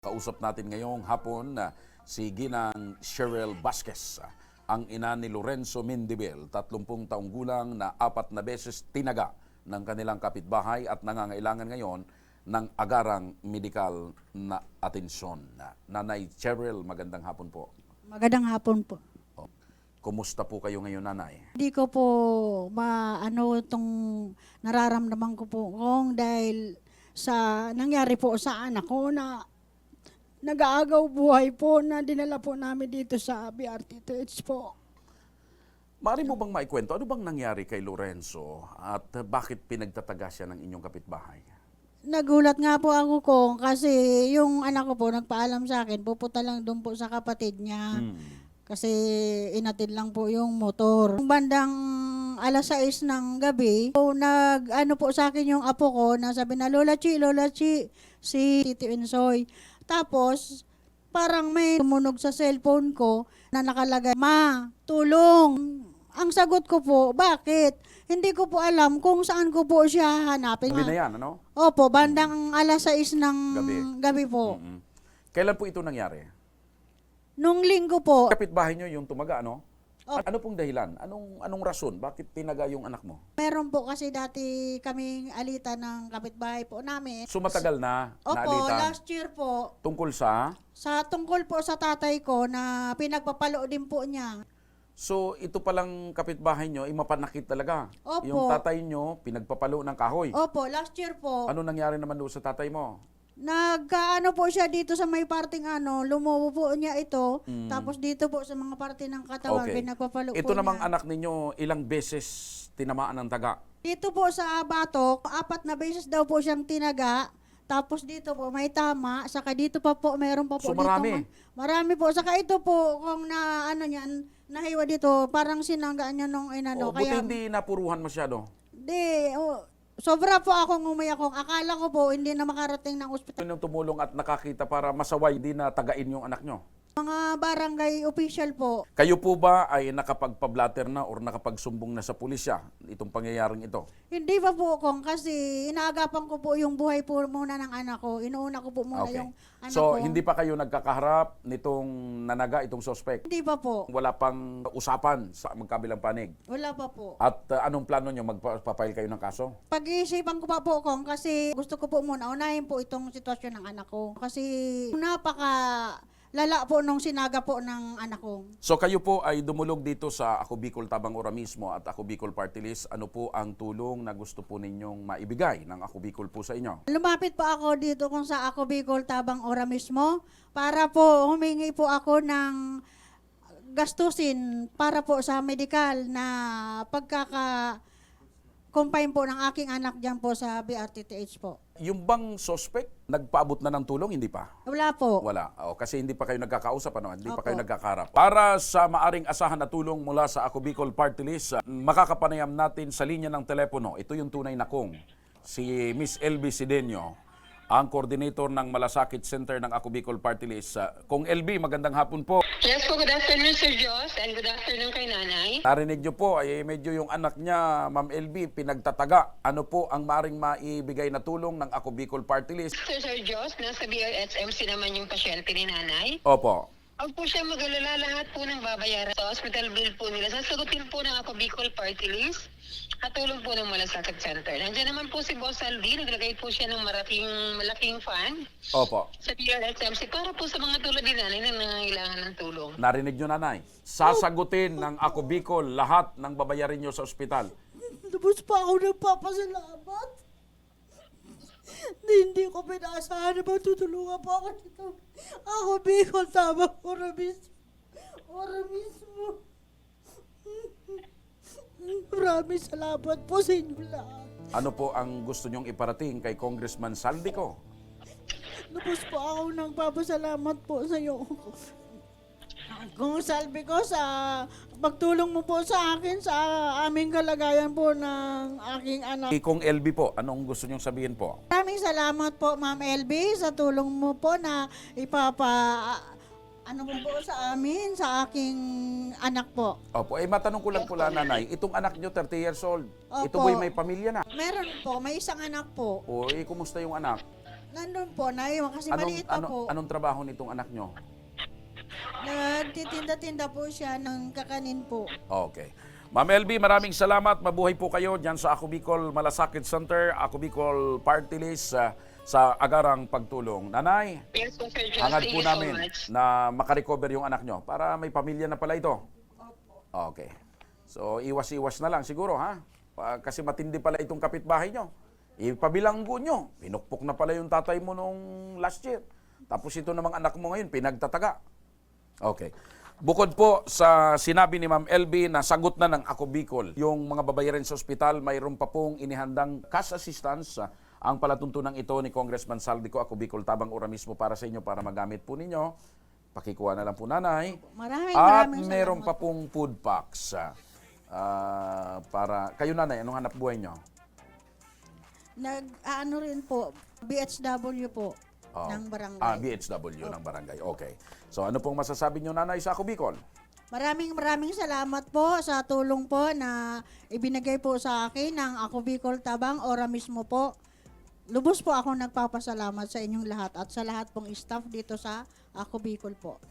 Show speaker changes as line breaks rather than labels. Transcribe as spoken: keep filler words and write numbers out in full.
Kausap natin ngayong hapon na si Ginang Cheryl Vasquez, ang ina ni Lorenzo Mendibel, tatlumpung taong gulang na apat na beses tinaga ng kanilang kapitbahay at nangangailangan ngayon ng agarang medikal na atensyon. Nanay Cheryl, magandang hapon po.
Magandang hapon po.
Kumusta po kayo ngayon, nanay?
Hindi ko po maano itong nararamdaman ko po kung dahil sa nangyari po sa anak ko na nag-aagaw buhay po na dinala po namin dito sa B R T T H po.
Maaari mo bang maikwento, ano bang nangyari kay Lorenzo at bakit pinagtataga siya ng inyong kapitbahay?
Nagulat nga po ako ko kasi yung anak ko po nagpaalam sa akin, pupunta lang doon po sa kapatid niya.
Hmm.
Kasi inatid lang po yung motor. Yung bandang alas sais ng gabi, so, nag ano po sa akin yung apo ko na sabi na, Lola Chi, Lola Chi, si Tito Insoy. Tapos, parang may tumunog sa cellphone ko na nakalagay, Ma, tulong. Ang sagot ko po, bakit? Hindi ko po alam kung saan ko po siya hanapin.
Gabi na yan, ano?
Opo, bandang alas sais ng
Gabi.
gabi po.
Mm-mm. Kailan po ito nangyari?
Nung linggo po,
Kapitbahay nyo yung tumaga, ano?
Oh.
Ano pong dahilan? Anong anong rason? Bakit tinaga yung anak mo?
meron po kasi dati kaming alita ng kapitbahay po namin.
So matagal na
Opo,
naalitan
last year po,
tungkol sa...
sa tungkol po sa tatay ko na pinagpapalo din po niya.
So ito palang kapitbahay nyo, ay mapanakit talaga.
Opo.
Yung tatay nyo, pinagpapalo ng kahoy.
Opo, last year po,
Ano nangyari naman doon sa tatay mo?
nagkaano po siya dito sa may parting ano, lumubo po niya ito,
Mm.
tapos dito po sa mga parte ng katawan,
Okay.
pinagpapalo
Ito
po
namang
niya.
anak ninyo, ilang beses tinamaan ng taga?
Dito po sa batok, apat na beses daw po siyang tinaga. Tapos dito po may tama, saka dito pa po mayroon pa po
So,
dito.
marami?
ma- Marami po. Saka ito po kung na ano niyan, nahiwa dito, parang sinanggaan niya nung inano.
o buti
Kaya
hindi napuruhan masyado.
di oh, sobra po akong umiyak kung akala ko po hindi na makarating ng ospital.
Yung tumulong at nakakita para masaway, di na tagain yung anak nyo.
Mga barangay official po.
Kayo po ba ay nakapagpa-blatter na or nakapagsumbong na sa pulisya itong pangyayaring ito?
Hindi pa po kung kasi inaagapan ko po yung buhay po muna ng anak ko. Inuuna ko po muna
Okay.
yung anak
So,
ko.
hindi pa kayo nagkakaharap nitong nanaga, itong suspect?
Hindi pa po.
Wala pang usapan sa magkabilang panig?
Wala pa po.
At uh, anong plano nyo? Magpapile kayo ng kaso?
Pag-iisipan ko pa po kung kasi gusto ko po muna unahin po itong sitwasyon ng anak ko. Kasi napaka lala po nung sinaga po ng anak ko.
So kayo po ay dumulog dito sa Ako Bicol Tabang Ora mismo at Ako Bicol Party List. Ano po ang tulong na gusto po ninyong maibigay ng Ako Bicol po sa inyo?
Lumapit po ako dito kung sa Ako Bicol Tabang Ora mismo para po humingi po ako ng gastusin para po sa medical na pagkaka confine po ng aking anak diyan po sa B R T T H po.
Yung bang suspect, nagpaabot na ng tulong? Hindi pa?
Wala po.
Wala. O, kasi hindi pa kayo nagkakausap, ano? Hindi pa
Opo.
kayo nagkakarap. Para sa maaring asahan na tulong mula sa Ako Bicol Party List, uh, makakapanayam natin sa linya ng telepono. Ito yung tunay na kong, si Miss L B Sidenio, ang coordinator ng Malasakit Center ng Ako Bicol Party List. Uh, Kung L B, magandang hapon po.
Yes po, good afternoon Sir Jos and good afternoon kay Nanay.
Narinig nyo po, ay medyo yung anak niya, Ma'am L B, pinagtataga. Ano po ang maaring maibigay na tulong ng Ako Bicol Party List?
Sir Sir Jos, nasa B R S M C naman yung pasyente ni Nanay.
Opo.
Huwag po siya mag-alala, lahat po ng babayaran sa hospital bill po nila. Sasagutin po ng Ako Bicol Party List at tulong po ng Malasakit Center. Nandiyan naman po si Boss Aldi, naglagay po siya ng malaking, malaking fund
Opo.
sa B R S M C para po sa mga tulad ni Nanay na nangangailangan ng tulong.
Narinig nyo, nanay. Sasagutin ng Ako Bicol lahat ng babayarin nyo sa ospital.
Lubos pa ako nagpapasalamat. Hindi, hindi ko pinaasahan na matutulungan po ako dito. Ako, Bicol, tama, ora mismo. Ora mismo. Maraming salamat po sa inyo lahat.
Ano po ang gusto nyong iparating kay Congressman Saldico?
Lubos po ako nagpapasalamat po sa iyo. Kung salbi ko sa pagtulong mo po sa akin sa aming kalagayan po ng aking anak.
Kay Kong L B po, anong gusto nyong sabihin po?
Maraming salamat po, Ma'am L B, sa tulong mo po na ipapa ano po po sa amin, sa aking anak po.
Opo, eh matanong ko lang po lang, nanay, itong anak nyo, thirty years old, ito
Opo.
po'y may pamilya na.
Meron po, may isang anak po.
O, eh, kumusta yung anak?
Nandun po, naiwan kasi
Anong,
maliit pa
ano,
po.
anong trabaho nitong anak nyo?
Nagtitinda-tinda po siya ng kakanin po.
Okay. Ma'am L B, maraming salamat. Mabuhay po kayo dyan sa Ako Bicol Malasakit Center, Ako Bicol Party List ah, sa agarang pagtulong. Nanay,
Yes po, Sir Josh.
hangad
Thank
po
you so
namin
much.
na makarecover yung anak nyo para may pamilya na pala ito. Okay. So, iwas-iwas na lang siguro, ha? Pa- Kasi matindi pala itong kapitbahay nyo. Ipabilanggo nyo. Pinukpok na pala yung tatay mo nung last year. Tapos ito namang anak mo ngayon, pinagtataga. Okay. Bukod po sa sinabi ni Ma'am L B na sagot na ng Ako Bicol, yung mga babayaran sa ospital, mayroon pa pong inihandang cash assistance. ah, Ang palatuntunan ito ni Congressman Saldico, Ako Bicol Tabang Ora mismo para sa inyo para magamit po ninyo. Pakikuha na lang po, nanay.
Maraming
At
maraming
meron
salamat
pa pong food packs. ah, ah, para kayo, nanay, anong hanap buhay nyo?
Nag, ano rin po, B H W po,
Oh.
ng barangay.
Ah, B H W ng barangay. Okay. So ano pong masasabi nyo, nanay, sa Ako Bicol?
Maraming maraming salamat po sa tulong po na ibinigay po sa akin ng Ako Bicol Tabang Ora mismo po. Lubos po ako nagpapasalamat sa inyong lahat at sa lahat pong staff dito sa Ako Bicol po.